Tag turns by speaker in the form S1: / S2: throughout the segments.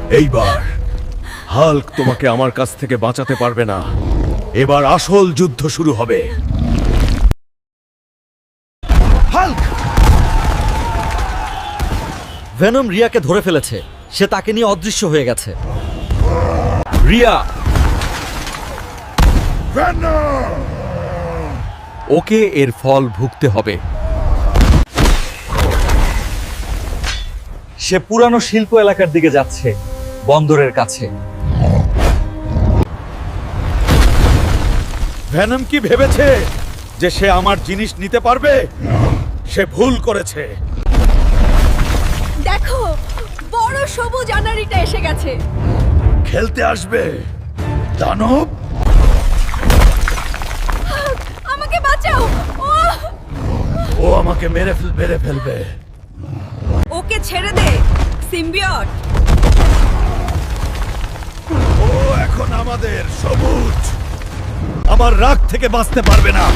S1: এইবার হাল্ক তোমাকে আমার কাছ থেকে বাঁচাতে পারবে না। এবার আসল যুদ্ধ শুরু হবে। হাল্ক!
S2: ভেনম রিয়াকে ধরে ফেলেছে। সে তাকে নিয়ে অদৃশ্য হয়ে গেছে।
S1: রিয়া! ওকে এর ফল ভুগতে হবে।
S2: সে পুরানো শিল্প এলাকার দিকে যাচ্ছে, বন্দরের কাছে।
S1: ভেনম কি ভেবেছে যে সে আমার জিনিস নিতে পারবে? সে ভুল করেছে।
S3: দেখো, বড় সবুজ আনারিটা এসে গেছে।
S1: খেলতে আসবে দানব?
S3: আমাকে বাঁচাও।
S1: ও আমাকে মেরে ফেলবে।
S3: ওকে ছেড়ে দে, সিম্বিয়ট।
S1: ও এখন আমাদের সবুজ। আমার রাগ থেকে বাঁচতে পারবে না।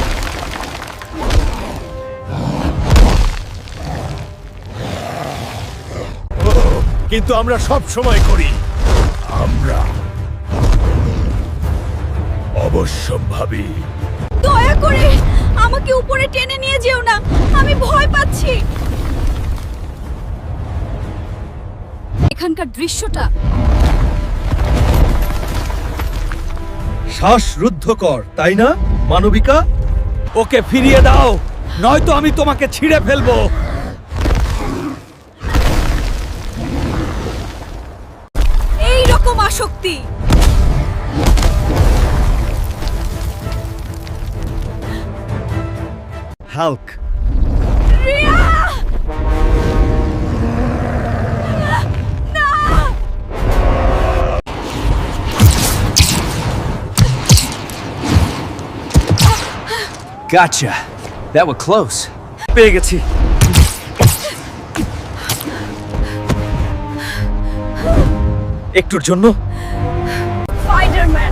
S1: কিন্তু আমরা সব সময় করি। আমরা অবশ্যম্ভাবী।
S3: দয়া করে আমাকে উপরে টেনে নিয়ে যেও না, আমি ভয় পাচ্ছি। এখানকার দৃশ্যটা
S1: শ্বাসরুদ্ধকর, তাই না মানবিকা? ওকে ফিরিয়ে দাও, নয়তো আমি তোমাকে ছিঁড়ে ফেলবো।
S3: এই রকম আসক্তি।
S2: হাল্ক!
S3: রিয়া! না!
S4: Gotcha. That was close.
S2: পেয়ে গেছি। একটুর জন্য
S3: স্পাইডারম্যান!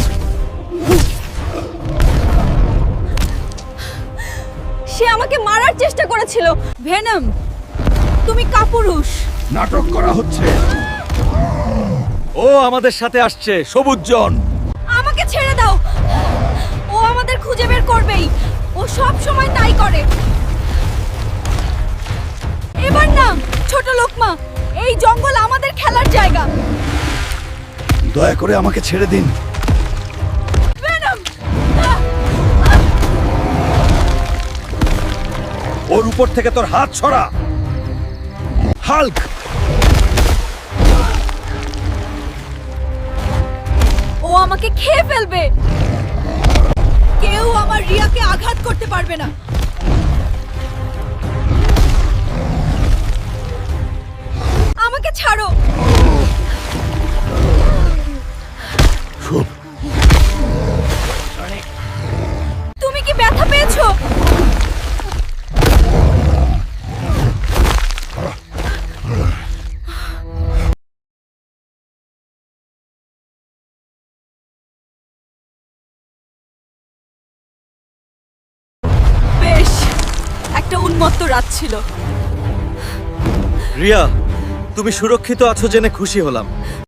S3: সে আমাকে মারার চেষ্টা করেছিল। ভেনম, তুমি কাপুরুষ।
S1: নাটক করা হচ্ছে। ও আমাদের সাথে আসছে, সবুজ জন।
S3: আমাকে ছেড়ে দাও। ও আমাদের খুঁজে বের করবেই। ও সব সময় তাই করে। এবার না, ছোট লোকমা, এই জঙ্গল আমাদের খেলার জায়গা।
S1: দয়া করে আমাকে ছেড়ে দিন।
S3: ভেনম!
S1: ওর উপর থেকে তোর হাত সরা। হাল্ক!
S3: ও আমাকে খেয়ে ফেলবে। কেউ আমার রিয়াকে আঘাত করতে পারবে না। আমাকে ছাড়ো। তুমি কি ব্যথা পেয়েছো? বেশ, একটা উন্মত্ত রাত ছিল।
S2: রিয়া, তুমি সুরক্ষিত আছো জেনে খুশি হলাম।